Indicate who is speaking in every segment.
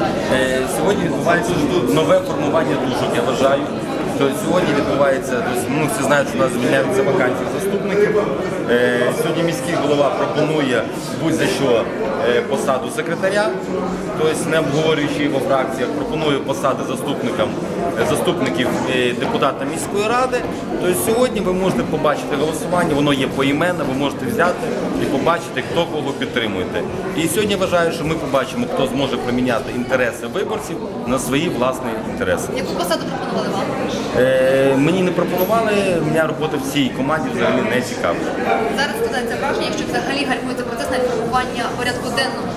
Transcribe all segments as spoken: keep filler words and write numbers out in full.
Speaker 1: Сьогодні відбувається нове формування дужок, я вважаю. То сьогодні відбувається, ну, всі знають, що у нас звільняються вакансії заступників. Е, сьогодні міський голова пропонує будь-за що е, посаду секретаря, тобто не обговорюючи його фракціях, пропонує посади заступникам, е, заступників е, депутата міської ради. Тобто сьогодні ви можете побачити голосування, воно є поіменно, ви можете взяти і побачити, хто кого підтримуєте. І сьогодні я вважаю, що ми побачимо, хто зможе приміняти інтереси виборців на свої власні інтереси.
Speaker 2: Яку посаду пропонували вам?
Speaker 1: Е, мені не пропонували, у мене робота в цій команді взагалі не цікава.
Speaker 2: Зараз складається враження, якщо взагалі гальмується процес навіть формування порядку денного.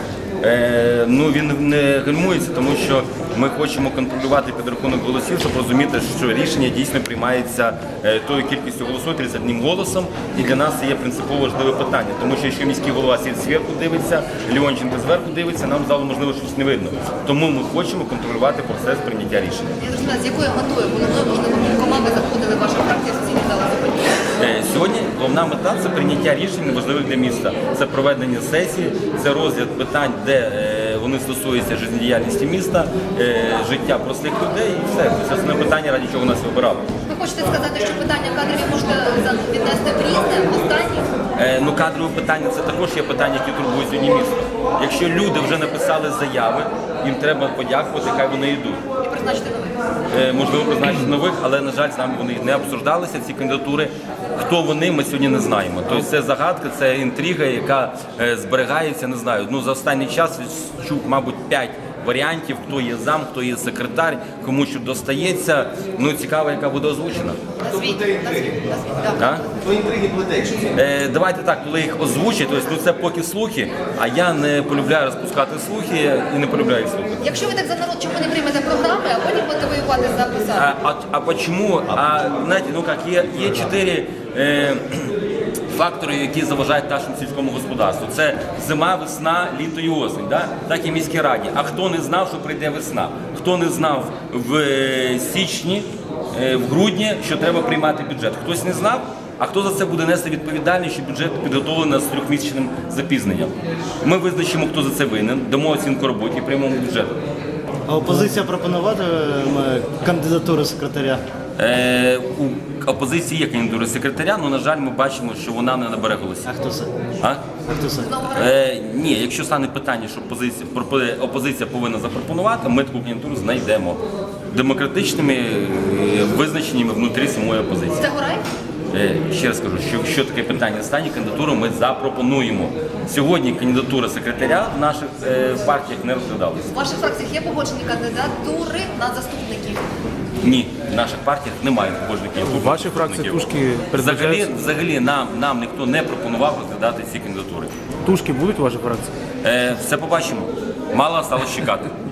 Speaker 1: Е, ну він не гальмується, тому що ми хочемо контролювати підрахунок голосів, щоб розуміти, що рішення дійсно приймається е, тою кількістю голосів, тридцять одним голосом. І для нас це є принципово важливе питання, тому що якщо міський голова сидить зверху дивиться, Леонченко зверху дивиться, нам залу можливо щось не видно. Тому ми хочемо контролювати процес прийняття рішення.
Speaker 2: Я зрозуміла, з якою метою, коли можливо команди заходили ваша фракція в сесійній залі заходили?
Speaker 1: Сьогодні головна мета – це прийняття рішень важливих для міста. Це проведення сесії, це розгляд питань, де е, вони стосуються життєдіяльності міста, е, життя простих людей і все. Це основне питання, ради чого нас вибирали.
Speaker 2: Ви хочете сказати, що питання кадрів можете віднести в різне, в останнє?
Speaker 1: Е, ну, кадрове питання – це також є питання, які турбують сьогодні місто. Якщо люди вже написали заяви, їм треба подякувати, хай вони йдуть.
Speaker 2: І призначити нових?
Speaker 1: Е, можливо, призначити нових, але, на жаль, з нами вони не обсуждалися, ці кандидатури. Хто вони, ми сьогодні не знаємо. Тобто це загадка, це інтрига, яка е, зберігається, не знаю. Ну, за останній час чув, мабуть, п'ять варіантів, хто є зам, хто є секретар, кому що достається. Ну, цікаво, яка буде озвучена.
Speaker 2: Назвіть, назвіть, назвіть, так.
Speaker 1: То інтриги плететься. Е, давайте так, коли їх озвучать, тобто, ну, це поки слухи, а я не полюбляю розпускати слухи і не полюбляю слухи.
Speaker 2: Якщо ви так за народ, чому не приймете програми, а потім будете воювати за посаду?
Speaker 1: А, а, а почему? А, знаете, ну как, є, є чотири е, фактори, які заважають нашому сільському господарству. Це зима, весна, літо і осінь. Да? Так і в міській раді. А хто не знав, що прийде весна? Хто не знав в е, січні, е, в грудні, що треба приймати бюджет? Хтось не знав? А хто за це буде нести відповідальність, що бюджет підготовлений з трьохмісячним запізненням? Ми визначимо, хто за це винен, дамо оцінку роботі і приймемо бюджет.
Speaker 3: А опозиція пропонуватиме кандидатуру секретаря?
Speaker 1: Е, у опозиції є кандидатура секретаря, але, на жаль, ми бачимо, що вона не набере голосів.
Speaker 3: А хто це?
Speaker 1: А?
Speaker 3: А хто це?
Speaker 1: Е, ні, якщо стане питання, що опозиція, опозиція повинна запропонувати, ми таку кандидатуру знайдемо демократичними е, визначеннями внутрі самої опозиції.
Speaker 2: Це Гурай?
Speaker 1: Е, ще раз кажу, що якщо таке питання стане, кандидатуру ми запропонуємо. Сьогодні кандидатура секретаря в наших е, партіях не розглядалася.
Speaker 2: У ваших фракціях є погоджені кандидатури на заступників?
Speaker 1: Ні, в наших партіях немає погоджених.
Speaker 4: У вашій фракції тушки
Speaker 1: Взагалі, взагалі нам, нам ніхто не пропонував розглядати ці кандидатури.
Speaker 4: Тушки будуть у вашій фракції?
Speaker 1: Е, все побачимо. Мало стало чекати.